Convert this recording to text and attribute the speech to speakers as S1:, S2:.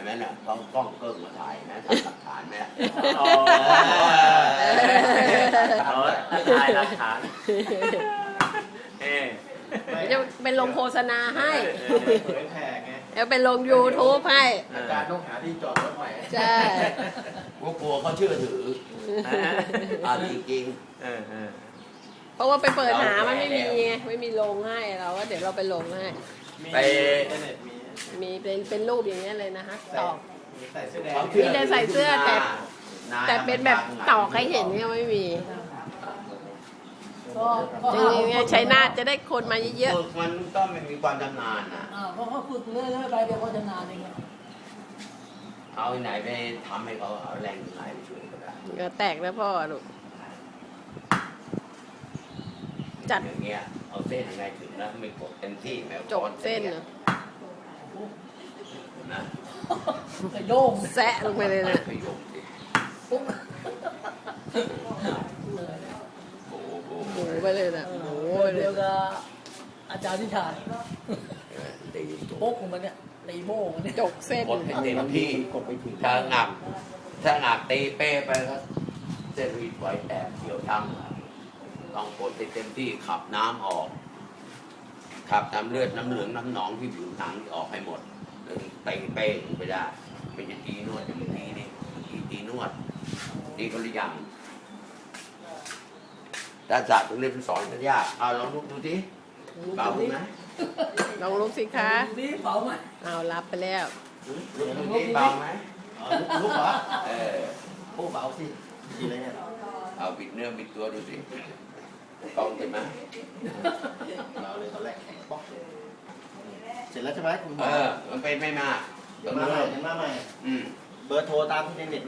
S1: ไหมเนี่ยกล้องเกิ้งมาถ่ายนะทำหลักฐานไหม
S2: ถ่ายหลักฐาน
S3: จะเป็นลงโฆษณาให้
S4: เผยแผ่ไง
S3: จะเป็นลง YouTube ให้
S4: อาจารย์ต้องหาที่จอดรถใหม่
S3: ใช่
S1: กลัวเขาเชื่อถือจริง
S3: เพราะว่าไปเปิดหามันไม่มีไงไม่มีลงให้เราว่าเดี๋ยวเราไปลงให้
S1: ไป
S4: อินเทอร์เน็ตมี
S3: มีเป็นรูปอย่างเงี้ยเลยนะฮะตอก
S4: ใส่เสื้อแดง
S3: มีแต่ใส่เสื้อแต่เป็นแบบตอกให้เห็นเนี่ยไม่มีจริงๆเนี่ยใช้นาทจะได้คนมาเยอะ
S1: ฝึกมันต้องมีความชำนาญนะ
S5: เพราะเขาฝึกเรื่อยๆไปเดี๋ยวเขาจะนานเอง
S1: เอาไหนไปทำให้เขาเอาแรงไหนไปช่วยก็ได้
S3: ๆก็แตกแล้วพ่อลูกจัด
S1: อย่างเงี้ยเอาเส้นยังไงถึงนะไม่กดเต็มที่แมว
S3: จบเส้นเนอะ
S1: นะ
S5: กระโด่ง
S3: แซะลงไปเลยนะ
S1: ขยมสิ
S5: ปุ๊บ
S1: โอ้โห
S3: หมูไปเลยนะหมูไปเล
S5: เดี
S3: ย
S5: ยวกับอาจารย์ที่ชาย
S1: ตีตัว
S5: โป๊กของมันเนี่ยตีโม่มันเนี่ย
S3: จกเส้น
S1: กดให้เต็มที่ถ้างับตีเป้ไปก็เส้นรีดไว้แตกเขียวช้ำต้องกดให้เต็มที่ขับน้ำออกขับน้ำเลือดน้ำเหลืองน้ำหนองที่ผิวหนังออกให้หมดเลยตีเป้ไปได้ไม่ใช่ตีนวดอย่างนี้นี่ตีนวดตีคนละอย่างด้านศาสตร์ตรงนี้เป็นสอนกันยากเอาลองลุกดูทีเบาไหม
S3: ลองลุกสิคะ
S5: นี่เผาไหม
S3: เอารับไปแล้ว
S1: ลุกดูทีเบาไหม
S4: ลุกเหรอ
S1: เออ
S4: โอ้เบาสิดีเลยเนี่ย
S1: เอาบิดเนื้อบิดตัวดูสิกล้องเห็นไหม
S4: เบาเลยตอนแรกแข็งป๊อกเสร็จแล้วใช่ไหมคุณหม
S1: เอ
S4: อ
S1: มันเป็นไม่มาก
S4: เดี๋ยวมาใหม่เบอร์โทรตามที่ในเน็ต